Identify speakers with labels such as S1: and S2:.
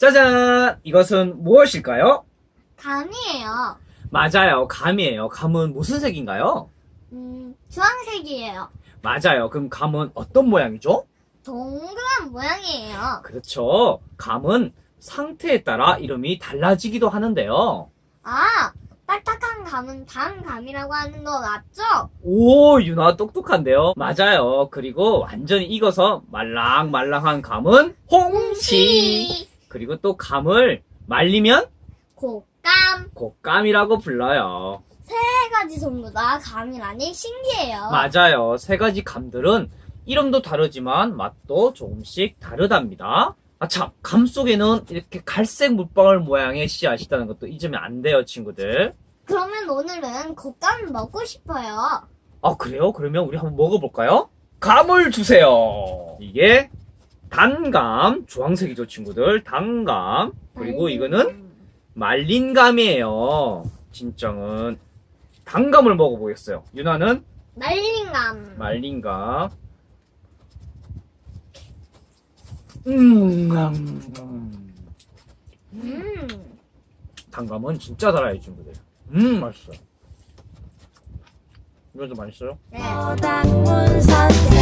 S1: 짜잔! 이것은 무엇일까요?
S2: 감이에요.
S1: 맞아요. 감이에요. 감은 무슨 색인가요?
S2: 주황색이에요.
S1: 맞아요. 그럼 감은 어떤 모양이죠?
S2: 동그란 모양이에요.
S1: 그렇죠. 감은 상태에 따라 이름이 달라지기도 하는데요.
S2: 아, 딱딱한 감은 단감이라고 하는 거 맞죠?
S1: 오, 유나 똑똑한데요? 맞아요. 그리고 완전히 익어서 말랑말랑한 감은 홍시. 그리고 또 감을 말리면
S2: 곶감.
S1: 곶감이라고 불러요.
S2: 세 가지 전부 다 감이라니 신기해요.
S1: 맞아요. 세 가지 감들은 이름도 다르지만 맛도 조금씩 다르답니다. 아, 참, 감 속에는 이렇게 갈색 물방울 모양의 씨앗이 있다는 것도 잊으면 안 돼요, 친구들.
S2: 그러면 오늘은 곶감을 먹고 싶어요.
S1: 아, 그래요? 그러면 우리 한번 먹어볼까요? 감을 주세요. 이게 단감, 주황색이죠, 친구들. 단감. 그리고 이거는 말린 감이에요. 진정은 단감을 먹어보겠어요. 유나는
S2: 말린 감.
S1: 말린 감. 단감은 진짜 달아요, 친구들. 맛있어요. 이것도 맛있어요?
S2: 네.
S3: 서당문 선생